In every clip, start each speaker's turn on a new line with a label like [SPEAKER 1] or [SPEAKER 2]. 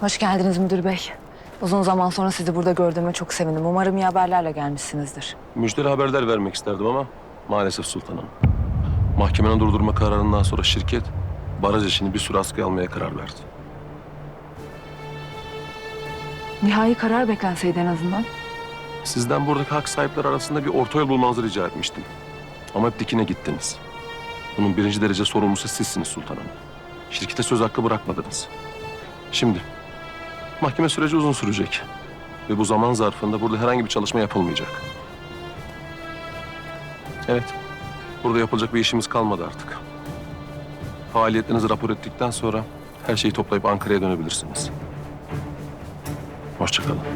[SPEAKER 1] Hoş geldiniz müdür bey. Uzun zaman sonra sizi burada gördüğüme çok sevindim. Umarım iyi haberlerle gelmişsinizdir.
[SPEAKER 2] Müjdeli haberler vermek isterdim ama maalesef sultanım. Mahkemenin durdurma kararından sonra şirket baraj işini bir süre askıya almaya karar verdi.
[SPEAKER 1] Nihai karar beklenseydi en azından.
[SPEAKER 2] Sizden buradaki hak sahipleri arasında bir orta yol bulmanızı rica etmiştim. Ama hep dikine gittiniz. Bunun birinci derece sorumlusu sizsiniz sultanım. Şirkete söz hakkı bırakmadınız. Şimdi mahkeme süreci uzun sürecek. Ve bu zaman zarfında burada herhangi bir çalışma yapılmayacak. Evet, burada yapılacak bir işimiz kalmadı artık. Faaliyetlerinizi rapor ettikten sonra her şeyi toplayıp Ankara'ya dönebilirsiniz. Hoşça kalın.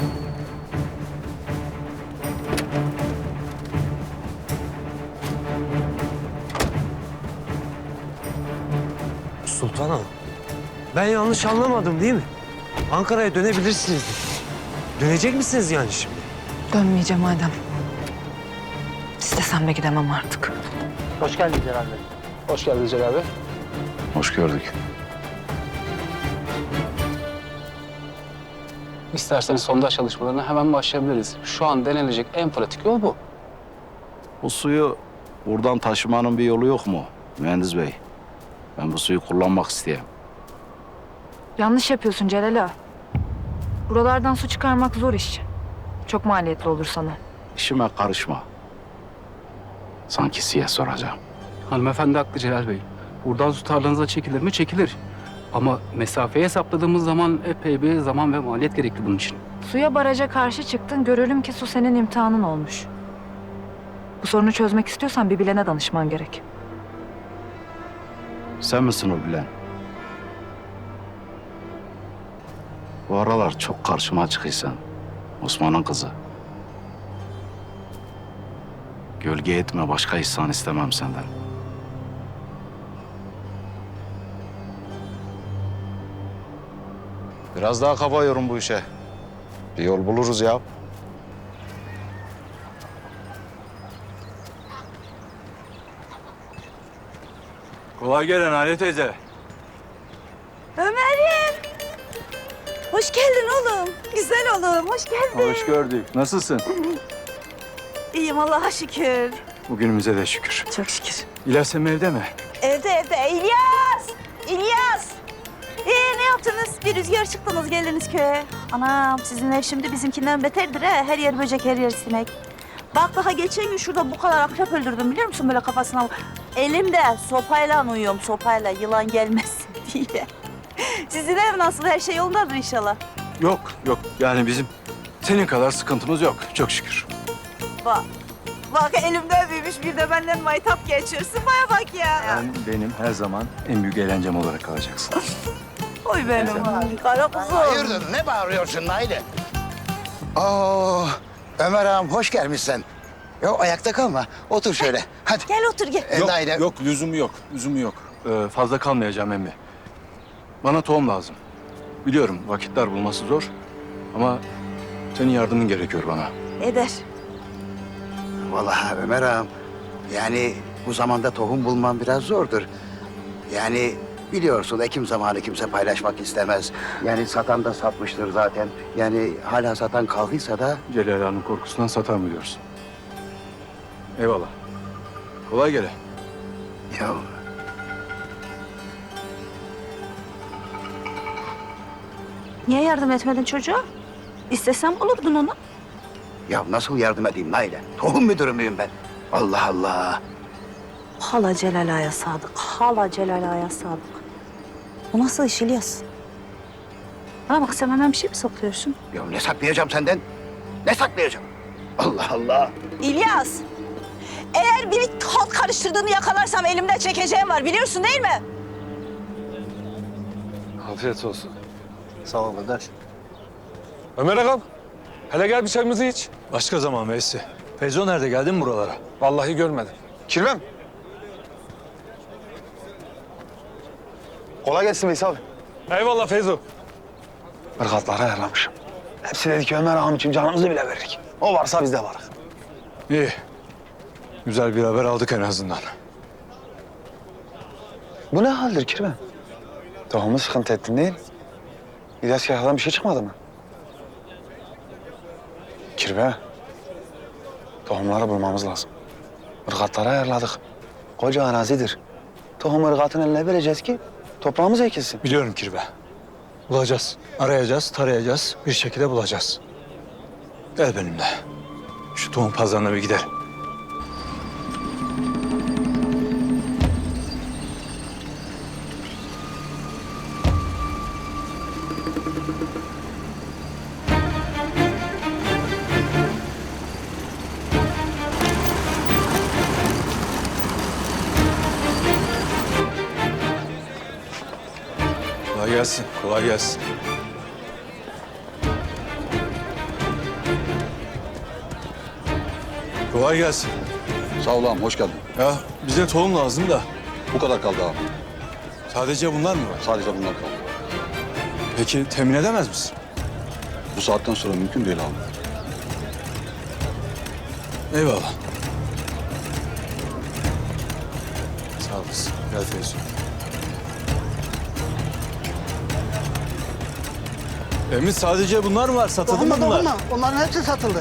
[SPEAKER 3] Sultanım, ben yanlış anlamadım değil mi? Ankara'ya dönebilirsiniz. Dönecek misiniz yani şimdi?
[SPEAKER 1] Dönmeyeceğim madem. İstesem de gidemem artık.
[SPEAKER 4] Hoş geldin Celal Bey.
[SPEAKER 5] Hoş geldin Celal Bey.
[SPEAKER 6] Hoş gördük.
[SPEAKER 5] İsterseniz sondaj çalışmalarına hemen başlayabiliriz. Şu an denilecek en pratik yol bu.
[SPEAKER 6] Bu suyu buradan taşımanın bir yolu yok mu mühendis bey? Ben bu suyu kullanmak isteyeyim.
[SPEAKER 1] Yanlış yapıyorsun Celal ağa. Buralardan su çıkarmak zor iş. Çok maliyetli olur sana.
[SPEAKER 6] İşime karışma. Sanki size soracağım.
[SPEAKER 5] Hanımefendi haklı Celal Bey. Buradan su tarlanıza çekilir mi? Çekilir. Ama mesafeyi hesapladığımız zaman epey bir zaman ve maliyet gerekli bunun için.
[SPEAKER 1] Suya baraja karşı çıktın. Görelim ki su senin imtihanın olmuş. Bu sorunu çözmek istiyorsan bir bilene danışman gerek.
[SPEAKER 6] Sen misin o bilen? Bu aralar çok karşıma çıkıysan. Osman'ın kızı. Gölge etme, başka ihsan istemem senden. Biraz daha kafa yorum bu işe. Bir yol buluruz ya.
[SPEAKER 7] Kolay gelen Ali teyze.
[SPEAKER 8] Ömer'im. Hoş geldin oğlum. Güzel oğlum. Hoş geldin.
[SPEAKER 7] Hoş gördük. Nasılsın?
[SPEAKER 8] İyiyim Allah'a şükür.
[SPEAKER 7] Bugünümüze de şükür.
[SPEAKER 8] Çok şükür.
[SPEAKER 7] İlyas Emre evde mi?
[SPEAKER 8] Evde. İlyas! İlyas! Ne yaptınız? Bir rüzgar çıktınız geldiniz köye. Anam sizin ev şimdi bizimkinden beterdir ha. Her yer böcek, her yer sinek. Bak daha geçen gün şurada bu kadar akrep öldürdüm biliyor musun böyle kafasına? Elimde sopayla uyuyorum sopayla yılan gelmesin diye. Sizin ev nasıl? Her şey yolundadır inşallah.
[SPEAKER 7] Yok. Yani bizim senin kadar sıkıntımız yok. Çok şükür.
[SPEAKER 8] Bak elimde büyümüş bir de benden maytap geçiyorsun. Baya bak ya.
[SPEAKER 7] Sen benim her zaman en büyük eğlencem olarak kalacaksın.
[SPEAKER 8] Oy benim kara kuzum.
[SPEAKER 9] Hayırdır, ne bağırıyorsun Naide? Ömer ağam hoş gelmişsin. Yok ayakta kalma, otur şöyle. Hadi.
[SPEAKER 8] Gel otur gel.
[SPEAKER 9] Naide.
[SPEAKER 7] Yok, lüzumu yok. Fazla kalmayacağım emmi. Bana tohum lazım. Biliyorum vakitler bulması zor ama senin yardımın gerekiyor bana.
[SPEAKER 8] Eder.
[SPEAKER 9] Vallahi Ömer ağam, yani bu zamanda tohum bulman biraz zordur. Yani biliyorsun ekim zamanı kimse paylaşmak istemez. Yani satan da satmıştır zaten. Yani hala satan kaldıysa da...
[SPEAKER 7] Celal Ağa'nın korkusundan satar mı diyorsun? Eyvallah. Kolay gele.
[SPEAKER 9] Ya
[SPEAKER 8] Niye yardım etmedin çocuğa? İstesem olurdun ona.
[SPEAKER 9] Ya nasıl yardım edeyim Naide? Tohum müdürü müyüm ben? Allah Allah.
[SPEAKER 8] Hala Celal Ağa'ya sadık. Hala Celal Ağa'ya sadık. Bu nasıl iş İlyas? Bana bak sen benden bir şey mi saklıyorsun?
[SPEAKER 9] Ya ne saklayacağım senden? Ne saklayacağım? Allah Allah.
[SPEAKER 8] İlyas! Eğer biri halt karıştırdığını yakalarsam elimden çekeceğim var biliyorsun değil mi?
[SPEAKER 7] Afiyet olsun.
[SPEAKER 9] Sağ ol kardeş.
[SPEAKER 10] Ömer ağam, hele gel bir çayımızı iç. Başka zaman Veysi. Feyzo nerede, geldin mi buralara? Vallahi görmedim.
[SPEAKER 11] Kirvem. Kolay gelsin Veys abi.
[SPEAKER 10] Eyvallah Feyzo.
[SPEAKER 11] Irgatları ayarlamışım. Hepsi dedi ki Ömer ağam için canımızı bile veririk. O varsa biz de varız.
[SPEAKER 10] İyi. Güzel bir haber aldık en azından.
[SPEAKER 11] Bu ne haldir Kirvem? Tohumu sıkıntı ettin değil. İlyas Yahya'dan bir şey çıkmadı mı? Kirve. Tohumları bulmamız lazım. Irgatları ayarladık. Koca arazidir. Tohum ırgatın eline vereceğiz ki toprağımız ekilsin.
[SPEAKER 10] Biliyorum Kirve. Bulacağız. Arayacağız, tarayacağız. Bir şekilde bulacağız. Gel benimle. Şu tohum pazarına bir gidelim. Kolay gelsin, kolay gelsin. Kolay gelsin.
[SPEAKER 6] Sağ ol ağam, hoş geldin.
[SPEAKER 10] Ya bize tohum lazım da
[SPEAKER 6] Bu kadar kaldı ağam.
[SPEAKER 10] sadece bunlar mı var?
[SPEAKER 6] Sadece bunlar kaldı.
[SPEAKER 10] Peki temin edemez misin?
[SPEAKER 6] Bu saatten sonra mümkün değil ağam.
[SPEAKER 10] Eyvallah. Sağ olasın. Gel Feyzo. Emin sadece bunlar mı var? Satıldı mı bunlar?
[SPEAKER 4] Onların hepsi satıldı.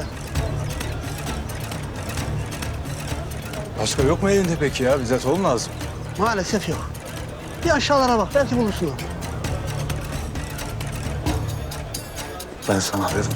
[SPEAKER 10] Başka yok mu elinde peki ya? Bize tohum lazım.
[SPEAKER 4] Maalesef yok. Bir aşağılara bak, belki bulursun.
[SPEAKER 11] Ben sana dedim.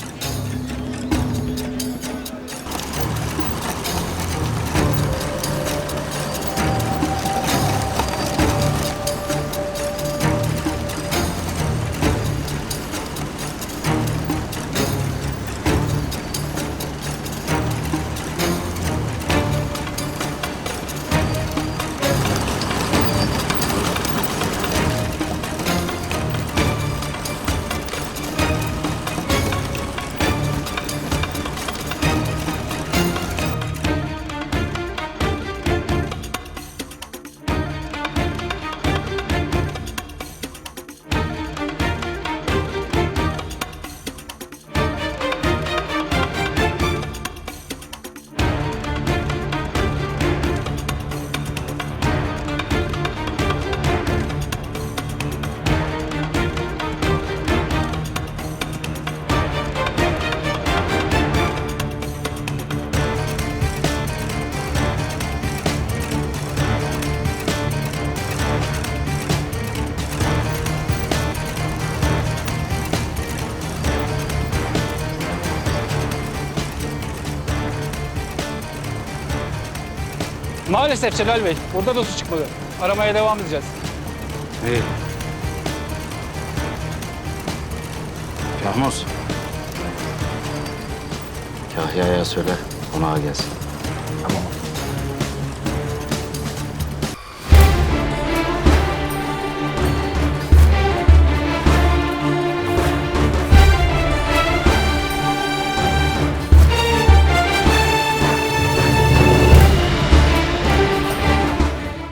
[SPEAKER 5] Maalesef Celal Bey. Burada da su çıkmadı. Aramaya devam edeceğiz.
[SPEAKER 6] İyi. Yahmuz. Kahya'ya söyle, konağa gelsin.
[SPEAKER 11] Tamam